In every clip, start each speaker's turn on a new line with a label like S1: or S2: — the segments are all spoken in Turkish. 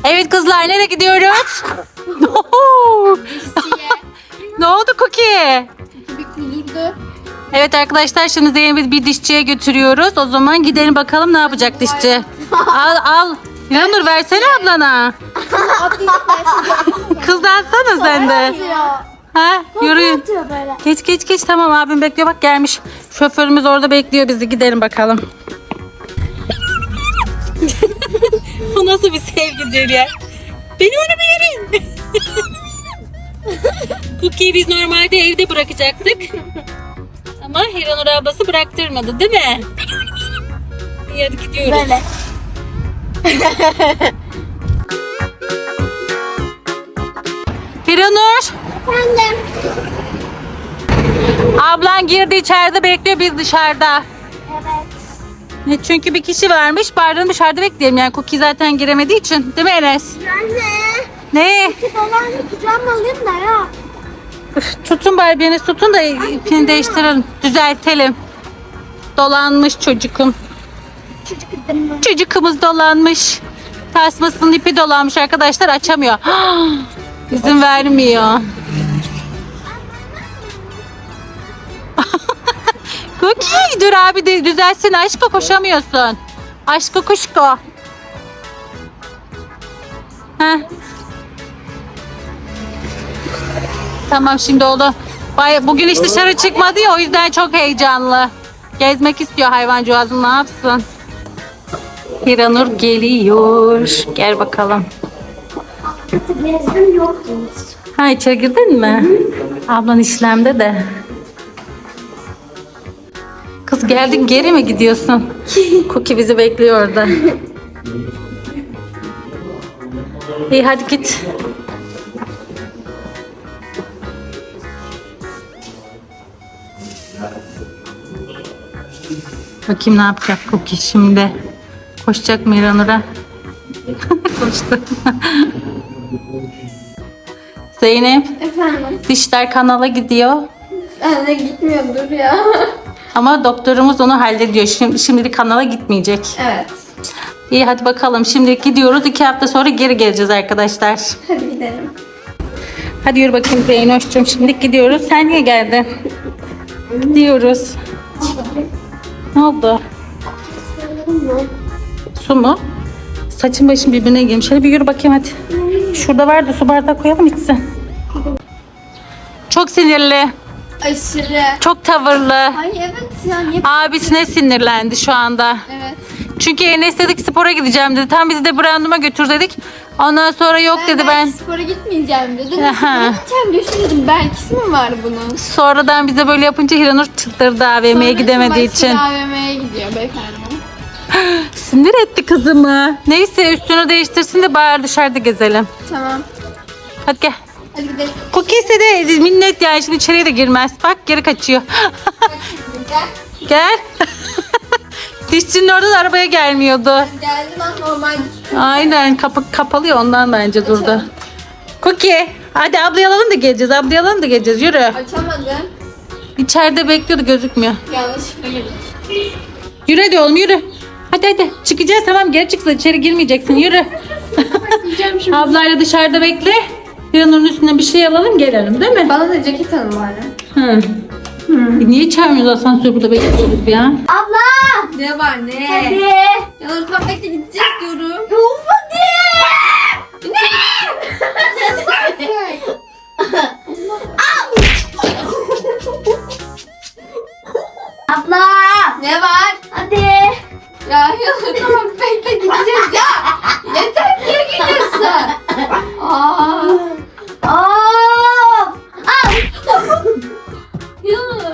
S1: Evet kızlar, nereye gidiyoruz? Ne oldu Cookie?
S2: Bir kudurdu.
S1: Evet arkadaşlar, şimdi Zeynep'i bir dişçiye götürüyoruz. O zaman gidelim bakalım ne yapacak dişçi. Al. Yanur versene ablana. Kız da alsana sen de. Ha, yürüyün. Geç tamam, abim bekliyor, bak gelmiş. Şoförümüz orada bekliyor bizi, gidelim bakalım. Bu nasıl bir sevgidir ya? Beni onu bir yerin. Cookie'yi biz normalde evde bırakacaktık. Ama Hiranur ablası bıraktırmadı değil mi? İyi, hadi gidiyoruz.
S2: Böyle.
S1: Hiranur,
S2: Efendim.
S1: ablan girdi, içeride bekliyor, biz dışarıda.
S2: Evet.
S1: Çünkü bir kişi varmış, bari dışarıda bekleyelim. Yani Cookie zaten giremediği için. Değil mi Enes?
S2: Anne.
S1: Ne?
S2: Dolarını kucağıma alayım da ya.
S1: Tutun bari, biriniz tutun da ipini değiştirelim. Düzeltelim. Dolanmış çocukum. Çocukumuz dolanmış. Tasmasının ipi dolanmış arkadaşlar, açamıyor. İzin vermiyor. Cookie dur abi de düzelsin, aşko koşamıyorsun. Aşko kuşko. Heh. Tamam, şimdi oldu. Bugün hiç dışarı çıkmadı ya, o yüzden çok heyecanlı. Gezmek istiyor hayvancağızım, ne yapsın? Hiranur geliyor. Gel bakalım.
S2: Gezdim yoktunuz.
S1: Ha, içeri girdin mi? Ablan işlemde de. Kız geldin, geri mi gidiyorsun? Cookie bizi bekliyor orada. İyi hadi git. Bakayım ne yapacak Cookie şimdi. Koşacak mı Hiranur'a? Koştu. Zeynep,
S2: Efendim.
S1: dişler kanala gidiyor.
S2: Anne gitmiyordur ya.
S1: Ama doktorumuz onu hallediyor. Şimdilik kanala gitmeyecek.
S2: Evet.
S1: İyi hadi bakalım. Şimdi gidiyoruz. 2 hafta sonra geri geleceğiz arkadaşlar.
S2: Hadi gidelim.
S1: Hadi yürü bakayım Zeynoş'cum. Şimdi gidiyoruz. Sen niye geldin? Gidiyoruz. Ne oldu? Su mu? Saçın başın birbirine girmiş. Hadi bir yürü bakayım hadi. Şurada vardı, su bardağı koyalım içsin. Çok sinirli.
S2: Aşırı.
S1: Çok tavırlı.
S2: Ay evet ya, niye?
S1: Abisine sinirlendi şu anda.
S2: Evet.
S1: Çünkü Enes dedik spora gideceğim dedi. Tam bizi de Brandum'a götür dedik. Ondan sonra yok dedi ben.
S2: Spora gitmeyeceğim dedi.
S1: Aha.
S2: Spora gideceğim diyor. Dedim belkisi mi var bunun?
S1: Sonradan bize böyle yapınca Hiranur çıldırdı AVM'ye gidemediği için.
S2: AVM'ye gidiyor beyefendi.
S1: Sinir etti kızımı. Neyse üstünü değiştirsin de bari dışarıda gezelim.
S2: Tamam.
S1: Hadi gel.
S2: Hadi gidelim.
S1: Cookie ise de minnet yani, şimdi içeriye de girmez. Bak geri kaçıyor.
S2: Gel.
S1: Gel. Dişçinin oradan arabaya gelmiyordu.
S2: Geldi lan normal.
S1: Aynen, kapı kapalı ya, ondan bence durdu. Cookie hadi ablayı alalım da geleceğiz. Ablayı alalım da geleceğiz, yürü.
S2: Açamadım.
S1: İçeride bekliyordu, gözükmüyor.
S2: Yanlışlıkla girdik.
S1: Yürü hadi oğlum yürü. Hadi çıkacağız, tamam geri çıksın, içeri girmeyeceksin, yürü.
S2: Yiyeceğim şimdi.
S1: Ablayla dışarıda bekle. Hiranur'un üstüne bir şey alalım gelelim değil mi?
S2: Bana da ceket alın bari.
S1: Hı. Niye çağırmıyoruz asansör, burada bekliyoruz ya?
S2: Abla! Ne var ne? Hadi. Ya tam bekle gideceğiz diyorum. Yok hadi. Ne? Abla! Ne var? Hadi. Ya tamam bekle gideceğiz ya. Yeter niye gidiyorsun? Of! Yunus.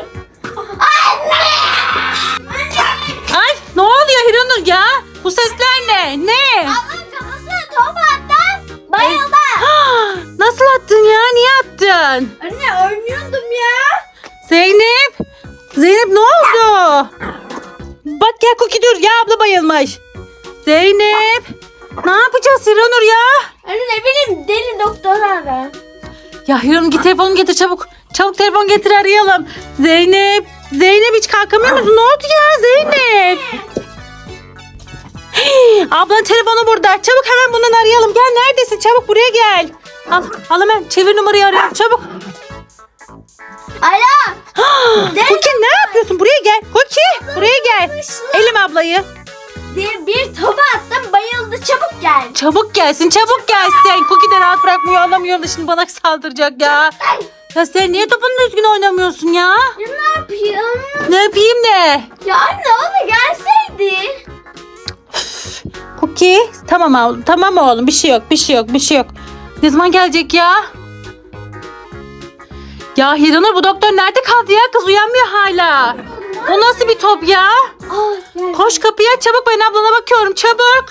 S1: Ay ne oluyor Hiranur ya? Bu sesler ne? Ne?
S2: Ablanın kafasına top attım. Bayıldı.
S1: Nasıl attın ya? Niye attın?
S2: Anne oynuyordum ya.
S1: Zeynep! Zeynep ne oldu? Bak gel Cookie dur ya, abla bayılmış. Zeynep! Ne yapacağız Hiranur ya?
S2: Anne ne bileyim deli doktor ara.
S1: Ya Hiranur git telefonu getir çabuk. Çabuk telefon getir, arayalım. Zeynep! Zeynep hiç kalkamıyor musun? Ne oldu ya Zeynep? Ablanın telefonu burada. Çabuk hemen bundan arayalım. Gel, neredesin? Çabuk buraya gel. Al hemen. Çevir numarayı, arayalım. Çabuk.
S2: Alo.
S1: Cookie ne yapıyorsun? Buraya gel. Cookie buraya gel. Elim ablayı.
S2: Bir topa attım, bayıldı, çabuk gel.
S1: Çabuk gelsin, çabuk gelsin. Cookie de rahat bırakmıyor, anlamıyor da şimdi bana saldıracak ya. Ya sen niye topunla düzgün oynamıyorsun ya?
S2: Ya ne yapayım?
S1: Ne yapayım de?
S2: Ya anne, o da gelseydi.
S1: Cookie tamam oğlum, bir şey yok. Ne zaman gelecek ya? Ya Hiranur, bu doktor nerede kaldı ya? Kız uyanmıyor hala. O nasıl bir top ya?
S2: Gel.
S1: Koş, kapıyı aç çabuk, ben ablana bakıyorum çabuk.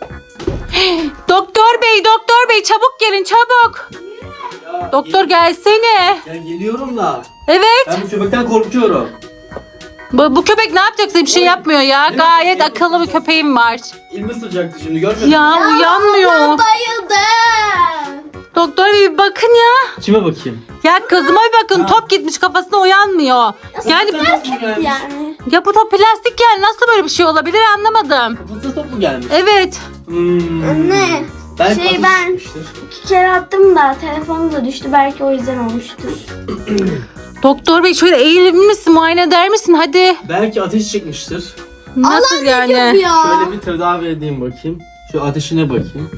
S1: Doktor bey çabuk gelin çabuk.
S3: Ya,
S1: Doktor gelsene.
S3: Ben geliyorum da.
S1: Evet.
S3: Ben bu köpekten korkuyorum.
S1: Bu köpek ne yapacaksa bir şey yapmıyor ya.
S3: Evet,
S1: Gayet
S3: evet.
S1: akıllı bir köpeğim var.
S3: İlmi sıcaktı şimdi görmedin mi?
S1: Ya uyanmıyor.
S2: Bayıldı.
S1: Doktor bey bir bakın ya.
S3: Kime bakayım?
S1: Ya kızıma bir bakın,
S3: Ha.
S1: top gitmiş kafasına, uyanmıyor. Yani
S2: Yani.
S1: ya bu top plastik, yani nasıl böyle bir şey olabilir anlamadım.
S3: Fıstık top mu gelmiş?
S1: Evet.
S2: Anne.
S3: Belki
S2: Şey,
S3: ateş
S2: ben-
S3: çıkmıştır.
S2: 2 kere attım da telefonu da düştü, belki o yüzden olmuştur.
S1: Doktor bey şöyle eğilir misin, muayene eder misin hadi.
S3: Belki ateş çıkmıştır.
S1: Nasıl yani?
S3: Şöyle bir tedavi edeyim bakayım. Şu ateşine bakayım.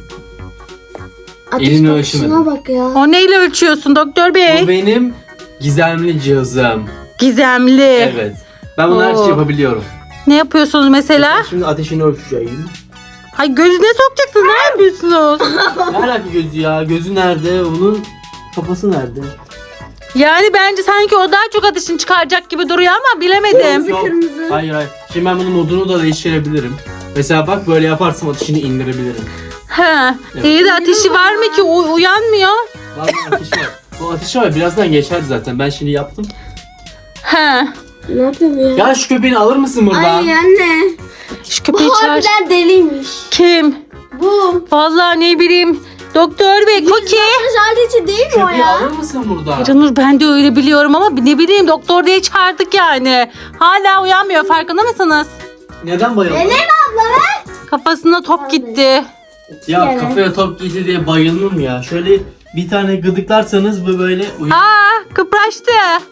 S2: Ateş
S3: elini
S2: bakışına
S3: ölçmedim.
S2: bak ya.
S1: O neyle ölçüyorsun doktor bey?
S3: Bu benim gizemli cihazım.
S1: Gizemli.
S3: Evet. Ben bunu her
S1: Oo.
S3: şeyi yapabiliyorum.
S1: Ne yapıyorsunuz mesela?
S3: Şimdi ateşini ölçeceğim.
S1: Hay gözüne sokacaksınız, ne yapıyorsunuz?
S3: Ne alaka gözü ya? Gözü nerede? Onun kafası nerede?
S1: Yani bence sanki o daha çok ateşini çıkaracak gibi duruyor ama bilemedim.
S3: Yok.
S2: Kırmızı.
S3: Hayır. Şimdi ben bunun modunu da değiştirebilirim. Mesela bak böyle yaparsam ateşini indirebilirim.
S1: He.
S3: Evet.
S1: İyi de ateşi var mı ki uyanmıyor?
S3: Vallahi ateşi var. Bu ateşi var. Birazdan geçer zaten. Ben şimdi yaptım.
S1: He.
S2: Ne yapayım ya?
S3: Ya şu köpeğini alır mısın buradan?
S2: Ay anne.
S1: Şu
S2: Bu
S1: köpeği çağır.
S2: harbiden deliymiş.
S1: Kim?
S2: Bu.
S1: Vallahi ne bileyim. Doktor bey, Cookie.
S2: Masaj aleti değil mi o
S3: Köpeği
S2: ya?
S3: alır mısın buradan?
S1: Canur, ben de öyle biliyorum ama ne bileyim, doktor diye çağırdık yani. Hala uyanmıyor, farkında mısınız?
S3: Neden bayıldın?
S2: Elem abla ver.
S1: Kafasına top gitti.
S3: Ya
S2: Yani.
S3: kafaya top gitti diye bayılır mı ya? Şöyle bir tane gıdıklarsanız bu böyle uyur.
S1: Aa, kıpraştı.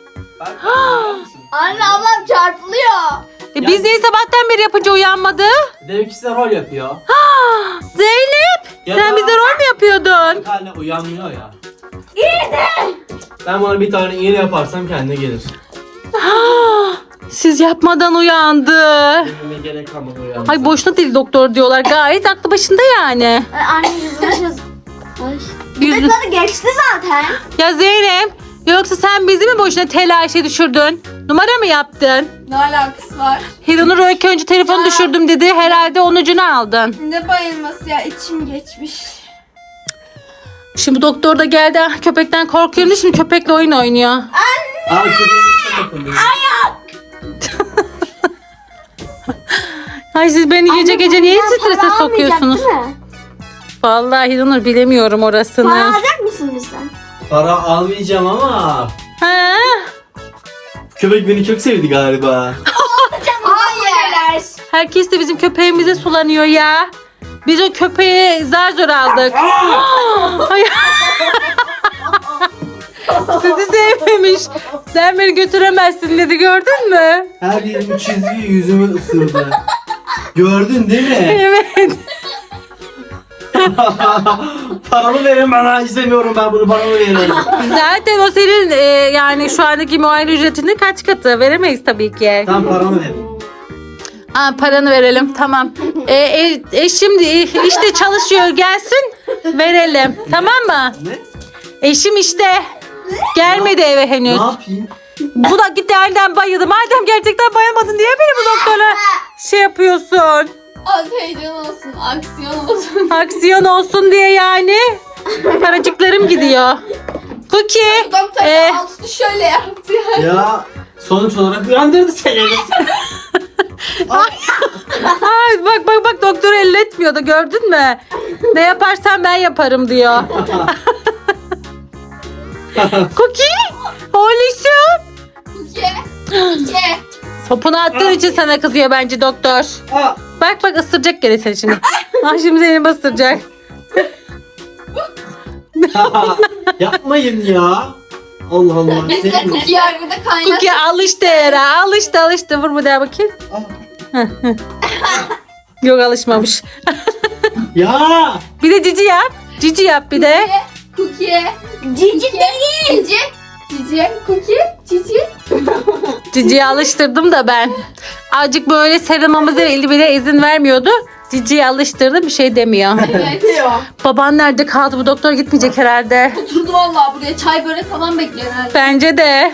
S2: Anne, ablam çarpılıyor.
S1: Biz niye sabahtan beri yapınca uyanmadı?
S3: Demek ki size rol yapıyor.
S1: Zeynep,
S3: Ya
S1: sen
S3: da-
S1: bize rol mü yapıyordun?
S3: Hala uyanmıyor ya. Ben bana bir tane iğne yaparsam kendine gelir.
S1: Siz yapmadan uyandı.
S3: Benimle gerek kalmadı uyanmasına.
S1: Ay boşuna değil doktor diyorlar. Gayet aklı başında yani.
S2: Anne yüzüne Ay.
S1: Yüzü-
S2: Gıdıkladı, geçti zaten.
S1: Ya Zeynep, yoksa sen bizi mi boşuna telaşe düşürdün? Numara mı yaptın?
S4: Ne alakası var?
S1: Hiranur öykü önce telefonu
S4: Ya.
S1: düşürdüm dedi. Herhalde onun ucunu aldın.
S4: Ne bayılması ya, içim geçmiş.
S1: Şimdi doktor da geldi. Ah, köpekten korkuyorum. Şimdi köpekle oyun oynuyor.
S3: Aa köpeğin bakın.
S1: Ay siz beni gece gece niye strese sokuyorsunuz?
S2: Değil mi?
S1: Vallahi Hiranur bilemiyorum
S2: Para
S1: orasını.
S2: alacak mısın bizden?
S3: Para almayacağım ama
S1: Ha?
S3: köpek beni çok sevdi galiba.
S2: Hayır.
S1: Herkes de bizim köpeğimize sulanıyor ya. Biz o köpeği zar zor aldık. Ay. Sizi sevmemiş. Sen beni götüremezsin dedi, gördün mü?
S3: Her yerimi çizgi, yüzümü ısırdı. Gördün değil mi?
S1: Evet.
S3: Paramı verin bana. İstemiyorum ben bunu, paramı verin.
S1: Zaten o senin yani şu andaki muayene ücretinin kaç katı? Veremeyiz tabii ki.
S3: Tamam paramı verin.
S1: Ha, paranı verelim, tamam. Eşim işte çalışıyor, gelsin verelim, tamam mı?
S3: Ne?
S1: Eşim işte gelmedi eve henüz.
S3: Ne yapayım?
S1: Bu da gitti elden bayıldı. Madem gerçekten bayılmadın, niye beni bu doktora şey yapıyorsun?
S4: Az heyecan olsun, aksiyon olsun.
S1: Aksiyon olsun diye yani. Paracıklarım gidiyor. Cookie.
S4: Doktor
S1: e,
S4: altını şöyle yaptı ya.
S3: Ya sonuç olarak uyandırdı seni.
S1: ay, bak doktor elletmiyordu, gördün mü? Ne yaparsan ben yaparım diyor. Cookie. Oğluşum.
S4: Ye. Ye.
S1: Topunu attığın için sana kızıyor bence doktor.
S3: Aa,
S1: Bak bak ısıracak gene seni şimdi. Ah şimdi seni ısıracak.
S3: Yapmayın ya. Allah Allah.
S4: Biz de
S3: Sevmiyorum.
S4: cookie yargıda kaynar.
S1: Cookie alıştı Era. Alıştı. Vur bu daha bakayım. Yok alışmamış.
S3: Ya.
S1: Bir de cici yap. Cici yap bir de.
S4: Cookie.
S2: Cici değil.
S4: Cici. Cici. Cookie. Cici.
S1: Cici'yi alıştırdım da ben. Azıcık böyle sarılmamıza eli bile izin vermiyordu. Cici'yi alıştırdım bir şey demiyor.
S4: Evet.
S1: Baban nerede kaldı? Bu doktor gitmeyecek herhalde.
S4: Oturdu vallahi buraya çay börek falan bekliyor herhalde.
S1: Bence de.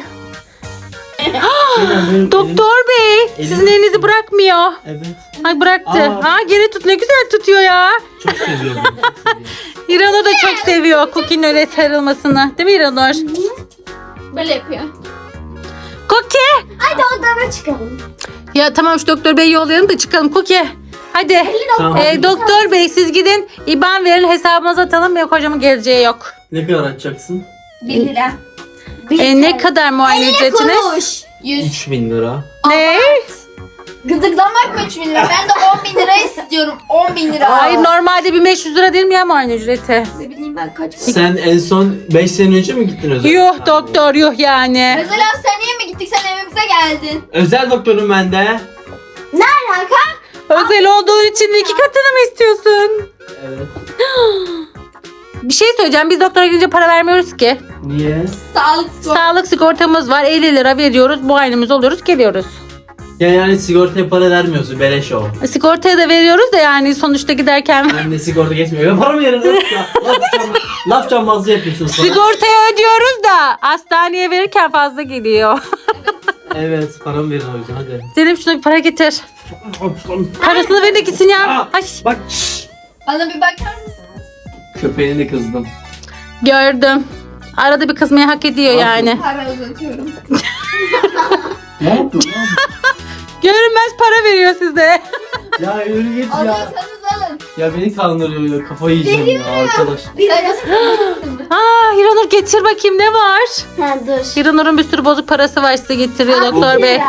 S3: Benim
S1: Doktor bey sizin
S3: elim-
S1: elinizi bırakmıyor.
S3: Evet.
S1: Ay bıraktı.
S3: Aa.
S1: Geri tut ne güzel tutuyor ya.
S3: Çok seviyorum. Çok seviyorum.
S1: İranur da çok seviyor Cookie'nin öyle sarılmasını. Değil mi İranur?
S4: Böyle yapıyor.
S1: Cookie.
S2: Hadi odama çıkalım.
S1: Ya tamam şu doktor beyi yollayalım da çıkalım Cookie. Hadi.
S3: Tamam.
S1: Doktor bey siz gidin IBAN verin hesabımıza atalım. Benim kocamın geleceği yok.
S3: Ne kadar açacaksın?
S4: 1 lira.
S1: Ne kadar muayene ücretiniz?
S2: Konuş.
S4: 100.
S3: 3000 lira.
S1: Ne?
S4: Gıdıklamak mı 3 bin lira? Ben de 10 bin lira istiyorum. 10 bin lira.
S1: Hayır normalde 1500 lira değil mi ya muayene ücreti?
S4: Ne bileyim ben kaç.
S3: Sen en son 5 sene önce mi gittin özel?
S1: Yuh doktor yuh yani.
S4: Mesela seneye mi gittik? Sen evimize geldin.
S3: Özel doktorum ben de.
S2: Ne alaka?
S1: Özel olduğun için 2 katını mı istiyorsun?
S3: Evet.
S1: Bir şey söyleyeceğim biz doktora gidince para vermiyoruz ki.
S3: Niye?
S4: Sağlık sigortası.
S1: Sağlık sigortamız var 50 lira veriyoruz muayenemiz oluyoruz geliyoruz.
S3: Ya yani sigortaya para vermiyorsun. Beleş o.
S1: Sigortaya da veriyoruz da yani sonuçta giderken.
S3: Ben de sigorta geçmiyor. Ben paramı yerim. Laf cambazlığı yapıyorsun sana.
S1: Sigortaya ödüyoruz da hastaneye verirken fazla geliyor.
S3: Evet paramı verin o yüzden hadi.
S1: Zeynep şuna bir para getir. Parasını ver de gitsin ya.
S3: Aa,
S1: Ay,
S3: Bak.
S4: Bana bir bakar mısın?
S3: Köpeğini de kızdım.
S1: gördüm. Arada bir kızmayı hak ediyor yani.
S4: Para uzatıyorum.
S3: Ne yaptın?
S1: Görünmez para veriyor size.
S3: Ya yürü git ya.
S4: Alıyorsanız alın.
S3: Ya beni kandırıyor ya. Kafayı yiyeceğim ya arkadaş.
S1: Hiranur getir bakayım ne var?
S2: Ha dur.
S1: Hiranur'un bir sürü bozuk parası var size getiriyor doktor bey.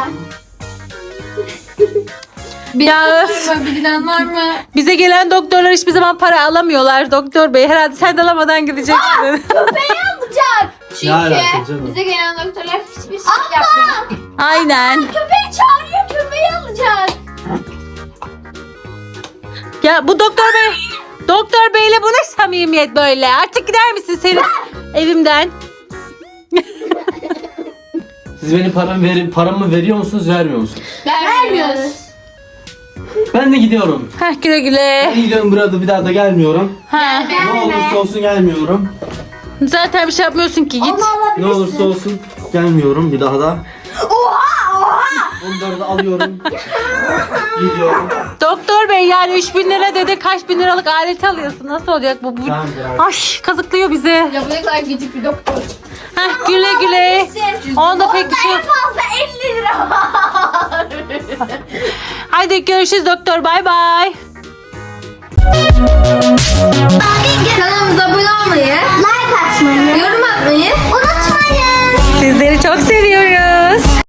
S1: Ya öf,
S4: Bilen var mı?
S1: bize gelen doktorlar hiçbir zaman para alamıyorlar doktor bey. Herhalde sen de alamadan gideceksin.
S3: Ne alaka
S4: Çünkü
S3: canım?
S4: bize gelen doktorlar hiçbir şey yapmıyor.
S1: Aynen.
S2: Köpeği çağırıyor, köpeği alacak.
S1: Ya bu doktor beyle bu ne samimiyet böyle? Artık gider misin senin evimden?
S3: Siz benim paramı veriyor musunuz vermiyor musunuz?
S4: Vermiyoruz.
S3: Ben de gidiyorum.
S1: Heh güle güle.
S3: Ben gidiyorum burada bir daha da gelmiyorum.
S1: Ha,
S3: Ne olursa olsun gelmiyorum.
S1: zaten bir şey yapmıyorsun ki git.
S3: Ne olursa olsun gelmiyorum bir daha da.
S2: Oha!
S3: Onları da alıyorum. Gidiyorum.
S1: Doktor bey yani 3000 lira dedi kaç bin liralık aleti alıyorsun. Nasıl olacak bu?
S3: Tamam bırak.
S1: Ay kazıklıyor bizi.
S4: Ya bu ne kadar gıcık bir doktor.
S1: Heh güle güle. Onda pek bir şey yok.
S2: Fazla 50 lira var.
S1: Haydi görüşürüz doktor bay bay.